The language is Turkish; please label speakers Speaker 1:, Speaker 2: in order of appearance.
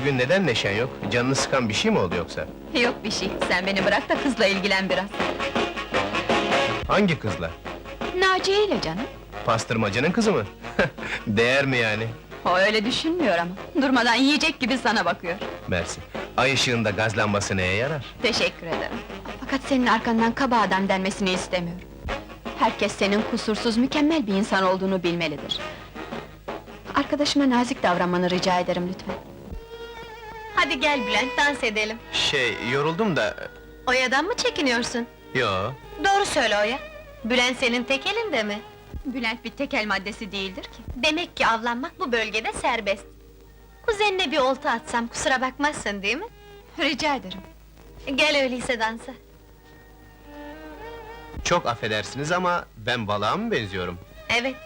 Speaker 1: Bugün neden neşen yok? Canını sıkan bir şey mi oldu yoksa?
Speaker 2: Yok bir şey, sen beni bırak da kızla ilgilen biraz.
Speaker 1: Hangi kızla?
Speaker 2: Naciye ile canım.
Speaker 1: Pastırmacının kızı mı? Değer mi yani?
Speaker 2: O öyle düşünmüyor ama, durmadan yiyecek gibi sana bakıyor.
Speaker 1: Mersi. Ay ışığında gaz lambası neye yarar?
Speaker 2: Teşekkür ederim. Fakat senin arkandan kaba adam denmesini istemiyorum. Herkes senin kusursuz, mükemmel bir insan olduğunu bilmelidir. Arkadaşıma nazik davranmanı rica ederim lütfen.
Speaker 3: Hadi gel Bülent, dans edelim.
Speaker 1: Yoruldum da...
Speaker 3: Oya'dan mı çekiniyorsun?
Speaker 1: Yo,
Speaker 3: Doğru söyle Oya. Bülent senin tek elinde mi?
Speaker 2: Bülent bir tekel maddesi değildir ki.
Speaker 3: Demek ki avlanmak bu bölgede serbest. Kuzenine bir olta atsam kusura bakmazsın değil mi?
Speaker 2: Rica ederim.
Speaker 3: Gel öyleyse dansa.
Speaker 1: çok affedersiniz ama ben balığa mı benziyorum?
Speaker 3: Evet,